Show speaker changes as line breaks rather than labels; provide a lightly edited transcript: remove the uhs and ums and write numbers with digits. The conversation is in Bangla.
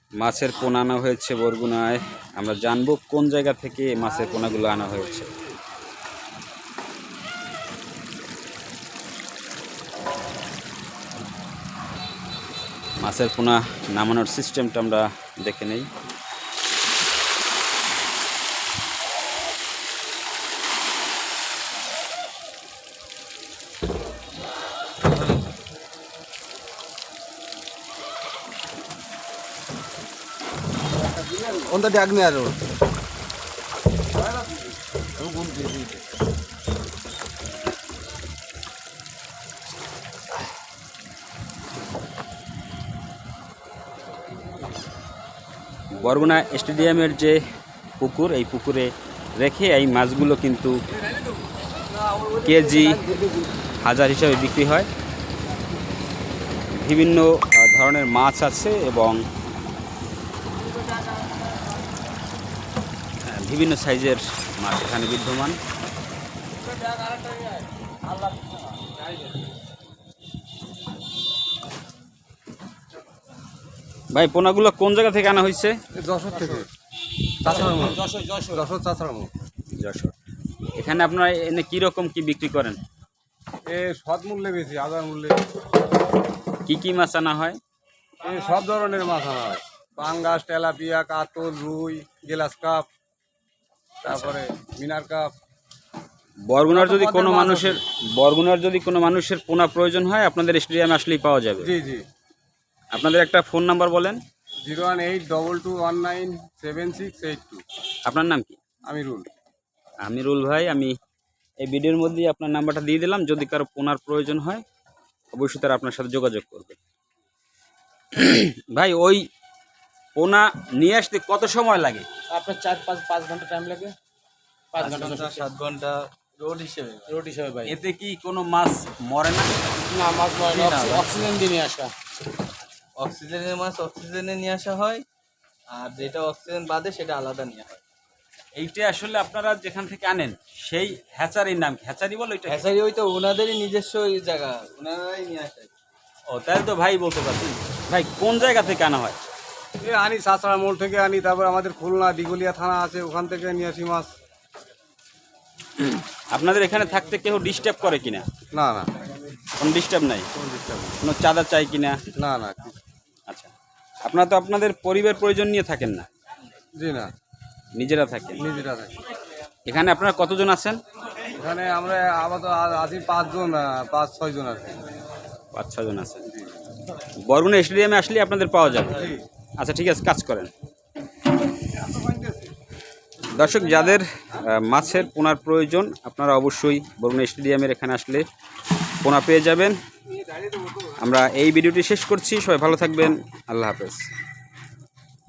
মাছের পোনা আনা হয়েছে বরগুনায়। আমরা জানবো কোন জায়গা থেকে মাছের পোনাগুলো আনা হয়েছে। মাছের পোনা নামানোর সিস্টেমটা আমরা দেখে নেই।
On the diagonal road.
Barguna স্টেডিয়ামের যে পুকুর, এই পুকুরে রেখে এই মাছগুলো কিন্তু কেজি হাজার হিসাবে বিক্রি হয়। বিভিন্ন ধরনের মাছ আছে এবং বিভিন্ন সাইজের মাছ এখানে বিদ্যমান। ভাই, পোনাগুলো কোন জায়গা থেকে আনা হয়েছে?
যশোর থেকে।
যশোর। এখানে আপনারা এনে কীরকম কি বিক্রি করেন?
সৎ মূল্যে বেশি, আদার মূল্যে।
কি মাছ আনা হয়?
সব ধরনের মাছ আনা হয়। পাঙ্গাস, তেলাপিয়া, কাতল, রুই, গ্লাস কাপ, তারপরে মিনার কাপ।
বরগুনার যদি কোনো মানুষের পোনা প্রয়োজন হয় আপনাদের স্টেডিয়ামে আসলেই পাওয়া যাবে।
জি জি।
আপনাদের একটা ফোন নাম্বার বলেন।
01822197682।
আপনার নাম কি? আমিরুল ভাই, আমি এই ভিডিওর মধ্যেই আপনার নাম্বারটা দিয়ে দিলাম। যদি কারো পোনার প্রয়োজন হয় অবশ্যই তারা আপনার সাথে যোগাযোগ করবে। ভাই, ওই পোনা নিয়ে আসতে কত সময় লাগে?
আপনার 4-5 ঘন্টা টাইম লাগে। 5 ঘন্টা 7 ঘন্টা রোড হিসেবে ভাই।
এতে কি কোনো মাছ মরে না?
না, মাছ মরে না। অক্সিজেন দিয়ে নিয়ে আসা।
অক্সিজেনের মাছ অক্সিজেনে নিয়ে আসা হয়, আর যেটা অক্সিজেন বাদে সেটা আলাদা নিয়ে হয়।
এইটা আসলে আপনারা যেখান থেকে আনেন সেই হ্যাচারির নাম কি? হ্যাচারি বলো এটা?
হ্যাচারি ওই তো ওনাদেরই নিজস্ব জায়গা, ওনারাই নিয়ে আসে।
ও, তাই তো ভাই বলতে পারছেন। ভাই, কোন জায়গা থেকে আনা হয়?
আনি সাঁচড়া মোড় থেকে আনি, তারপর আমাদের খুলনা দিগলিয়া থানা আছে, ওখান থেকে নিয়ে আসি মাছ।
আপনাদের এখানে থাকতে কেউ ডিস্টার্ব করে কিনা?
না না,
কোনো ডিস্টার্ব নাই? কোনো চাঁদা চাই কিনা?
না না।
আচ্ছা, আপনারা তো আপনাদের পরিবার পরিজন নিয়ে থাকেন না?
জি না,
নিজেরা থাকেন?
নিজেরা থাকি।
এখানে আপনারা কতজন আছেন?
এখানে আমরা আপাতত আছি 5-6 জন আছি।
5-6 জন আছেন। বরগুনা স্টেডিয়ামে আসলে আপনাদের পাওয়া যাবে।
জি।
আচ্ছা, ঠিক আছে, কাজ করেন। দর্শক, যাদের মাছের পোনার প্রয়োজন আপনারা অবশ্যই বরগুনা স্টেডিয়ামের এখানে আসলে পোনা পেয়ে যাবেন। আমরা এই ভিডিওটি শেষ করছি। সবাই ভালো থাকবেন। আল্লাহ হাফেজ।